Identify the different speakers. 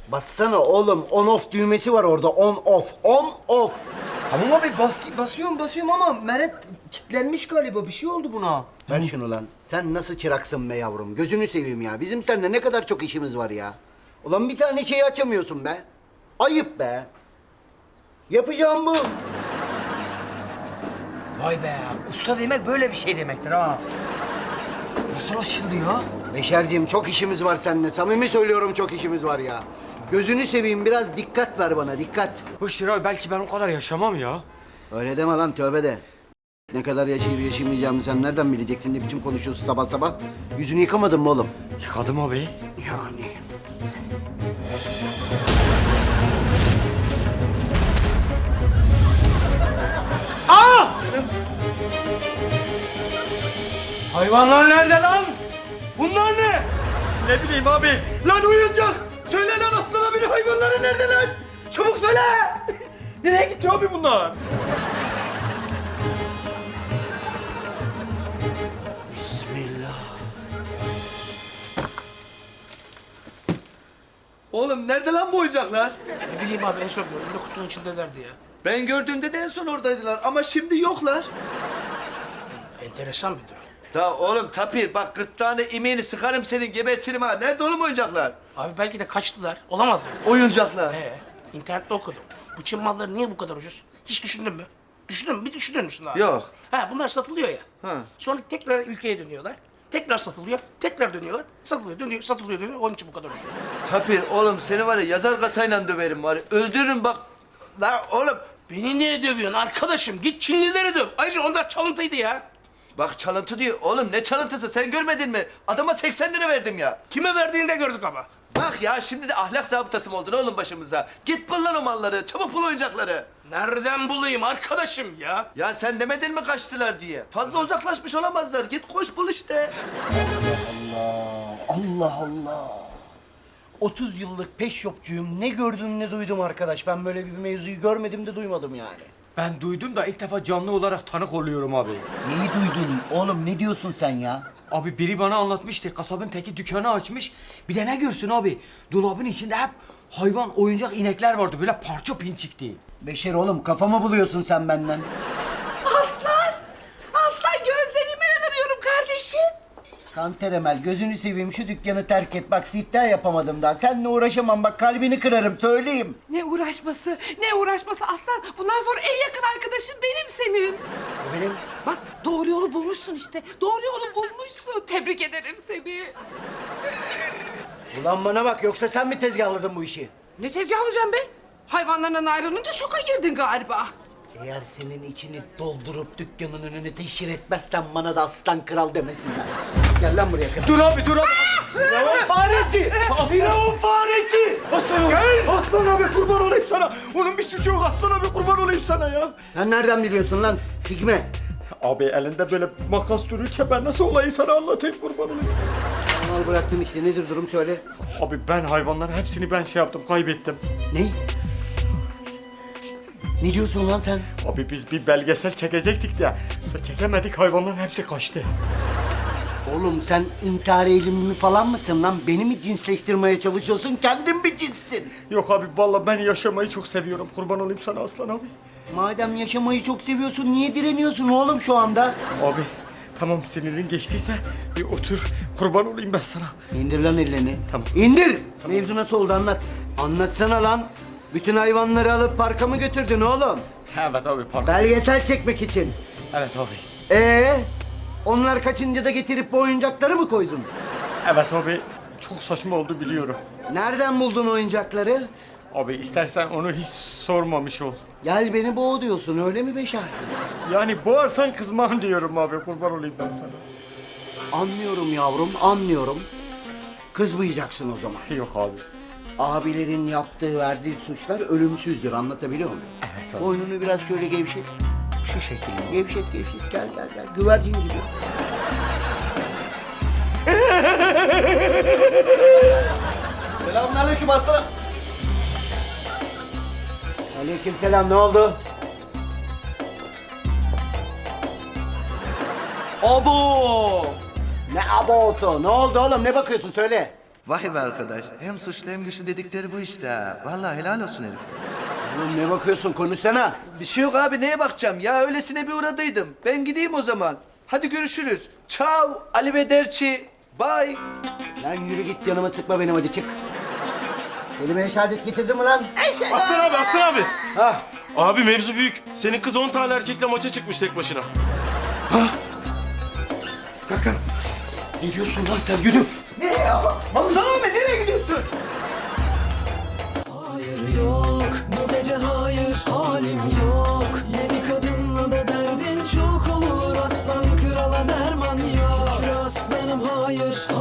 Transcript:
Speaker 1: Bassana oğlum. On off düğmesi var orada. On off. On off.
Speaker 2: Tamam abi basıyorum ama Meret kilitlenmiş galiba. Bir şey oldu buna.
Speaker 1: Ver şunu lan. Sen nasıl çıraksın be yavrum? Gözünü seveyim ya. Bizim seninle ne kadar çok işimiz var ya. Ulan bir tane şeyi açamıyorsun be. Ayıp be. Yapacağım bu.
Speaker 2: Vay be. Usta demek böyle bir şey demektir ha. Nasıl açıldı ya?
Speaker 1: Beşerciğim çok işimiz var seninle. Samimi söylüyorum çok işimiz var ya. Gözünü seveyim biraz dikkat ver bana dikkat.
Speaker 3: Boş ver abi, belki ben o kadar yaşamam ya.
Speaker 1: Öyle deme lan tövbe de. Ne kadar yaşayıp yaşamayacağımı sen nereden bileceksin? Ne biçim konuşuyorsun sabah sabah? Yüzünü yıkamadın mı oğlum?
Speaker 3: Yıkadım abi.
Speaker 1: Yani. Aa! Hayvanlar nerede lan? Bunlar ne?
Speaker 3: Ne bileyim abi. Lan oyuncak. Söyle lan, Aslan abinin hayvanları nerede lan? Çabuk söyle. Nereye gitti abi bunlar?
Speaker 1: Bismillah.
Speaker 4: Oğlum nerede lan bu oyuncaklar?
Speaker 5: Ne bileyim abi, en son gördüğümde kutunun içindelerdi ya.
Speaker 4: Ben gördüğümde de en son oradaydılar ama şimdi yoklar.
Speaker 5: Enteresan bir durum.
Speaker 4: Ta oğlum Tapir bak gırtlağını imeğini sıkarım senin gebertirim ha. Nerede oğlum oyuncaklar?
Speaker 5: Abi belki de kaçtılar. Olamaz mı?
Speaker 4: Oyuncaklar.
Speaker 5: İnternette okudum. Bu Çin malları niye bu kadar ucuz? Hiç düşündün mü? Düşündün mü? Bir düşünür müsün abi?
Speaker 4: Yok.
Speaker 5: Ha, bunlar satılıyor ya.
Speaker 4: Ha.
Speaker 5: Sonra tekrar ülkeye dönüyorlar. Tekrar satılıyor. Tekrar dönüyorlar. Satılıyor, dönüyor, satılıyor, dönüyor. Onun için bu kadar ucuz.
Speaker 4: Tapir oğlum seni var ya yazar kasayla döverim var ya. Öldürürüm bak. La oğlum
Speaker 5: Beni niye dövüyorsun arkadaşım? Git Çinlileri döv. Ayrıca onlar çalıntıydı ya.
Speaker 4: bak çalıntı diyor. Oğlum ne çalıntısı sen görmedin mi? Adama 80 lira verdim ya.
Speaker 5: Kime verdiğini de gördük ama.
Speaker 4: Bak ya şimdi de ahlak zabıtası mı oldun oğlum başımıza? Git bul lan o malları. Çabuk bul oyuncakları.
Speaker 5: Nereden bulayım arkadaşım ya?
Speaker 4: Ya sen demedin mi kaçtılar diye? Fazla uzaklaşmış olamazlar. Git koş bul işte.
Speaker 1: Allah Allah. 30 yıllık peş shopçuyum. Ne gördüm ne duydum arkadaş. Ben böyle bir mevzuyu görmedim de duymadım yani.
Speaker 3: Ben duydum da ilk defa canlı olarak tanık oluyorum abi.
Speaker 1: Neyi duydun? Oğlum ne diyorsun sen ya?
Speaker 3: Abi biri bana anlatmıştı. Kasabın teki dükkanı açmış. Bir de ne görsün abi? Dolabın içinde hep hayvan, oyuncak inekler vardı. Böyle parça pinçikti.
Speaker 1: Beşer oğlum kafamı buluyorsun sen benden.
Speaker 6: Aslan! Aslan, gözlerime inanamıyorum kardeşim.
Speaker 1: Kanter Emel gözünü seveyim şu dükkanı terk et. Bak siftah yapamadım daha. Seninle uğraşamam bak kalbini kırarım söyleyeyim.
Speaker 6: Ne uğraşması, ne uğraşması Aslan. Bundan sonra en yakın arkadaşın benim senin.
Speaker 1: Benim
Speaker 6: Bak doğru yolu bulmuşsun işte. Doğru yolu bulmuşsun. Tebrik ederim seni.
Speaker 1: ulan bana bak yoksa sen mi tezgahladın bu işi?
Speaker 6: Ne tezgahlayacağım be? Hayvanlarından ayrılınca şoka girdin galiba.
Speaker 1: Eğer senin içini doldurup dükkanın önüne teşhir etmezsen bana da aslan kral demesinler. Gel lan buraya kral.
Speaker 3: Dur abi, dur abi.
Speaker 1: Firavun faresi! Firavun faresi!
Speaker 3: Aslan abi. Aslan abi kurban olayım sana. Onun bir suçu yok. Aslan abi kurban olayım sana ya.
Speaker 1: Sen nereden biliyorsun lan? Hikmet.
Speaker 3: Abi elinde böyle makas dururken ben nasıl olayı sana anlatayım, kurban olayım.
Speaker 1: Mal bıraktım işte nedir durum söyle.
Speaker 3: Abi ben hayvanların hepsini ben şey yaptım, kaybettim.
Speaker 1: Ne? Ne diyorsun lan sen?
Speaker 3: Abi biz bir belgesel çekecektik de sonra çekemedik, hayvanların hepsi kaçtı.
Speaker 1: Oğlum sen intihar eğilimli falan mısın lan? Beni mi cinsleştirmeye çalışıyorsun? Kendin mi cinssin?
Speaker 3: Yok abi vallahi ben yaşamayı çok seviyorum, kurban olayım sana Aslan abi.
Speaker 1: Madem yaşamayı çok seviyorsun niye direniyorsun oğlum şu anda?
Speaker 3: Abi tamam, sinirin geçtiyse bir otur, kurban olayım ben sana.
Speaker 1: İndir lan ellerini.
Speaker 3: Tamam.
Speaker 1: İndir! Mevzu nasıl oldu anlat. Anlatsana lan. Bütün hayvanları alıp parka mı götürdün oğlum?
Speaker 3: Evet abi, pardon.
Speaker 1: Belgesel çekmek için.
Speaker 3: Evet abi.
Speaker 1: Onlar kaçınca da getirip bu oyuncakları mı koydun?
Speaker 3: Evet abi, çok saçma oldu biliyorum.
Speaker 1: Nereden buldun oyuncakları?
Speaker 3: Abi istersen onu hiç sormamış ol.
Speaker 1: Gel beni boğ diyorsun öyle mi Beşer?
Speaker 3: Yani boğarsan kızmam diyorum abi, kurban olayım ben sana.
Speaker 1: Anlıyorum yavrum anlıyorum. Kızmayacaksın o zaman.
Speaker 3: Yok abi.
Speaker 1: Abilerin yaptığı verdiği suçlar ölümsüzdür anlatabiliyor muyum?
Speaker 3: Evet abi.
Speaker 1: Boynunu biraz şöyle gevşet. Şu şekilde gevşet gel güvercin gibi.
Speaker 4: Selamünaleyküm aslan.
Speaker 1: Aleykümselam ne oldu?
Speaker 4: Abo!
Speaker 1: Ne abo olsa ne oldu oğlum ne bakıyorsun söyle.
Speaker 4: Vay be arkadaş. Hem suçlu hem güçlü dedikleri bu işte ha. Vallahi helal olsun herif.
Speaker 1: Oğlum ne bakıyorsun konuşsana.
Speaker 4: Bir şey yok abi neye bakacağım ya öylesine bir uğradıydım. Ben gideyim o zaman. Hadi görüşürüz. Ciao, arrivederci, bye.
Speaker 1: Lan yürü git yanıma sıkma benim hadi çık. Kelime-i şehadet getirdin mi lan?
Speaker 7: Aslan abi, Aslan abi. Abi mevzu büyük. Senin kız 10 tane erkekle maça çıkmış tek başına.
Speaker 1: Kalk lan. Ne diyorsun lan sen yürü. Nereye ya? Mamsan abi nereye gidiyorsun?
Speaker 8: Hayır yok, bu gece hayır, halim yok. Yeni kadınla da derdin çok olur, aslan krala derman yok. Şükür aslanım hayır,